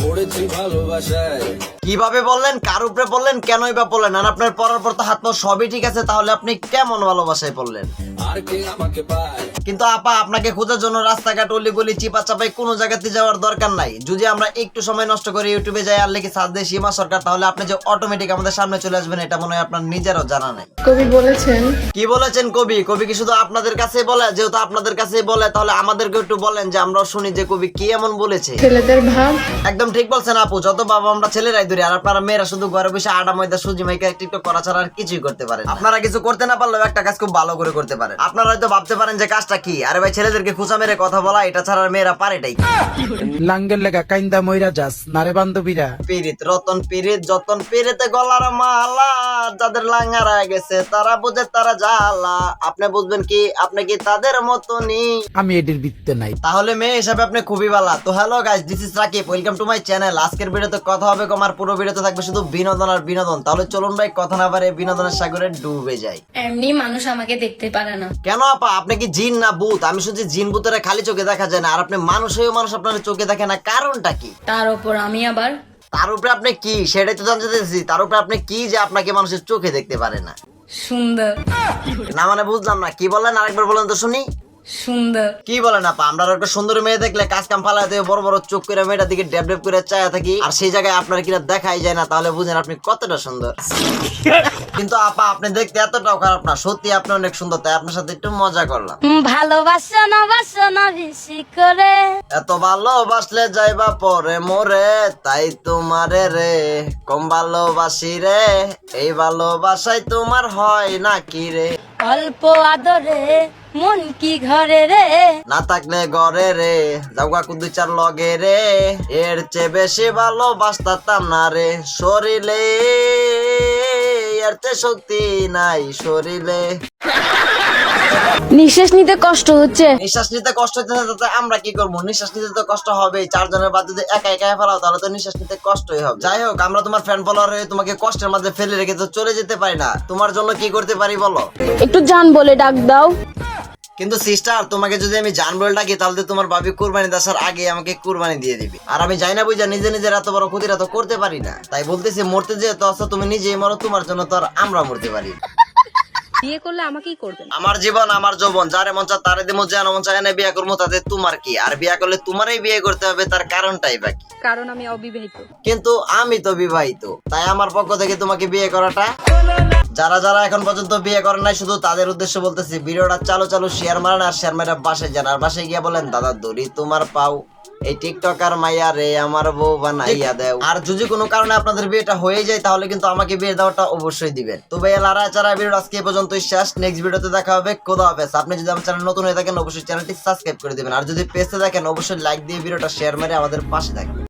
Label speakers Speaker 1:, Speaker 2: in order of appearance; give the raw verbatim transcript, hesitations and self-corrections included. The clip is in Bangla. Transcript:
Speaker 1: পড়েছি ভালোবাসায়।
Speaker 2: কিভাবে বললেন, কার উপরে বললেন, কেনই বা বললেন? আর আপনার পড়ার পর তো হাত পা সবই ঠিক আছে, তাহলে আপনি কেমন ভালোবাসায় পড়লেন?
Speaker 1: আর কে আমাকে পায়?
Speaker 2: কিন্তু আপা, আপনাকে খোঁজার জন্য রাস্তাঘাট অলি গলি চিপা চাপাই কোনো জায়গাতে যাওয়ার দরকার নাই। যদি আমরা একটু সময় নষ্ট করে ইউটিউবে যাই আর লিখে সার্চ দিই সীমা সরকার, তাহলে আপনি যে অটোমেটিক আমাদের সামনে চলে আসবেন, এটা মনে হয় আপনার নিজেরও জানা নাই।
Speaker 3: কবি বলেছেন,
Speaker 2: কি বলেছেন কবি? কবি কি শুধু আপনাদের কাছেই বলে? যেহেতু আপনাদের কাছেই বলে, তাহলে আমাদেরকে একটু বলেন যে আমরাও শুনি যে কবি কি এমন বলেছে।
Speaker 3: ছেলেদের ভাব।
Speaker 2: একদম ঠিক বলছেন আপু, যত বাবা আমরা ছেলেরাই ধরি, আর আপনারা মেয়েরা শুধু ঘরে বসে আডা ময়দা সুজি মাইকা টিকটক করা ছাড়া আর কিছুই করতে পারেন। আপনারা কিছু করতে না পারলেও একটা কাজ খুব ভালো করে করতে পারেন। আপনারা হয়তো ভাবতে পারেন যে কাজটা কি, আরে ভাই ছেলেদেরকে খুচা মেরে কথা বলা, এটা ছাড়া আর মেয়েরা পারেটাই।
Speaker 4: লাঙ্গের লেগা কাইন্দা মইরা যাস নারে বান্ধবীরা।
Speaker 2: পিরিত রতন পিরিত যতন পিরিতে গলার মালা, যাদের লাঙ্গারা গেছে তারা বুঝে তারা জ্বালা। আপনি বুঝবেন কি? আপনি কি তাদের মতনই?
Speaker 4: আমি এটির বৃত্তে নাই।
Speaker 2: তাহলে মেয়ে হিসাবে আপনি খুবই ভালো। তো hello guys, this is Rakib, welcome to my channel. আজকের ভিডিওতে কথা হবে কম, আর পুরো ভিডিওতে থাকবে শুধু বিনোদন আর বিনোদন। তাহলে চলুন ভাই কথা না বাড়িয়ে বিনোদনের সাগরে ডুবে যাই।
Speaker 5: এমনি মানুষ আমাকে দেখতে পারে না।
Speaker 2: কেন আপা, আপনি কি জিন না ভূত? আমি শুনছি জিন ভূতেরা খালি চোখে দেখা যায় না, আর আপনি মানুষ হয়েও মানুষ আপনার চোখে দেখে না, কারণটা কি?
Speaker 5: তার উপর আমি আবার
Speaker 2: তার উপরে আপনি কি, সেটাই তো জানতে চাইছি। তার উপরে আপনি কি যে আপনাকে মানুষের চোখে দেখতে পারে না?
Speaker 5: সুন্দর।
Speaker 2: না মানে বুঝলাম না, কি বললেন? আরেকবার বলেন তো শুনি।
Speaker 5: সুন্দর।
Speaker 2: কি বলেন আপা? আমরা একটা সুন্দর মেয়ে দেখলে কাজ কাম ফালা দিয়ে বড় বড় চোখ করে মেয়েটার দিকে ড্যাব ড্যাব করে চায়া থাকি, আর সেই জায়গায় আপনার কিনা দেখাই যায় না, তাহলে বুঝেন আপনি কতটা সুন্দর। কিন্তু আপা, আপনি দেখতে এতটাও খারাপ না, সত্যি আপনি অনেক সুন্দর, তাই আপনার সাথে একটু মজা করলাম।
Speaker 5: ভালোবাসো না বাসো না বেশি করে,
Speaker 2: এত ভালোবাসলে যাইবা পরে মোরে, তাই তোমারে রে কম ভালোবাসি রে, এই ভালোবাসায় তোমার হয় না কি রে?
Speaker 5: অল্প আদরে মন কি ঘরে রে,
Speaker 2: না থাকলে ঘরে রে যাওগা কুদু চার লগে রে, এর চেয়ে বেশি ভালোবাসতাম না রে শরীরে, এর চেয়ে শক্তি নাই শরীরে।
Speaker 5: নিঃশ্বাস নিতে কষ্ট হচ্ছে।
Speaker 2: নিঃশ্বাস নিতে কষ্ট হচ্ছে, তাতে আমরা কি করবো? নিঃশ্বাস নিতে তো কষ্ট হবেই, চারজনের বাদ যদি একা একা ফেলাও তাহলে তো নিঃশ্বাস নিতে কষ্টই হবে। যাই হোক, আমরা তোমার ফ্যান ফলোয়ার হয়ে তোমাকে কষ্টের মাঝে ফেলে রেখে তো চলে যেতে পারি না। তোমার জন্য কি করতে পারি বলো?
Speaker 5: একটু জান বলে ডাক দাও।
Speaker 2: কিন্তু সিস্টার, তোমাকে যদি আমি জান বলে ডাকি তাহলে তো তোমার ভাবি কুরবানি দেওয়ার আগে আমাকে কুরবানি দিয়ে দিবে, আর আমি যাই না বুঝা নিজে নিজের এত বড় ক্ষতিটা তো করতে পারি না। তাই বলতেছি, মরতে যে তো আছো তুমি নিজেই মরো, তোমার জন্য তো আর আমরা মরতে পারি।
Speaker 6: বিয়ে করলে আমাকেই করবেন।
Speaker 2: আমার জীবন আমার যৌবন, যারে মন চায় তারে দিমু, যেন মন চায় না বিয়ে করবো, তাতে তোমার কি? আর বিয়ে করলে তোমারই বিয়ে করতে হবে, তার কারণটাই বাকি।
Speaker 6: কারণ আমি অবিবাহিত।
Speaker 2: কিন্তু আমি তো বিবাহিত, তাই আমার পক্ষ থেকে তোমাকে বিয়ে করাটা। যারা যারা এখন পর্যন্ত বিয়ে করেন নাই, শুধু তাদের উদ্দেশ্য বলতেছি, ভিডিওটা চালু চালু শেয়ার মারেন, আর শেয়ার মারা বাসায় যান, আর বাসায় গিয়ে বলেন দাদা দড়ি তোমার পাও, এই টিকটকার মাইয়া রে আমার বউ বানাইয়া দেও। আর যদি কোনো কারণে আপনাদের বিয়েটা হয়ে যায় তাহলে কিন্তু আমাকে বিয়ে দেওয়াটা অবশ্যই দিবেন। তো ভাই লারা চারা ভিডিও আজকে এই পর্যন্তই শেষ। নেক্সট ভিডিওতে দেখা হবে। খোদা হাফেজ। আপনি যদি আমার চ্যানেল নতুন হয়ে থাকেন অবশ্যই চ্যানেলটি সাবস্ক্রাইব করে দিবেন, আর যদি পেজে দেখেন অবশ্যই লাইক দিয়ে ভিডিওটা শেয়ার মেরে আমাদের পাশে থাকবেন।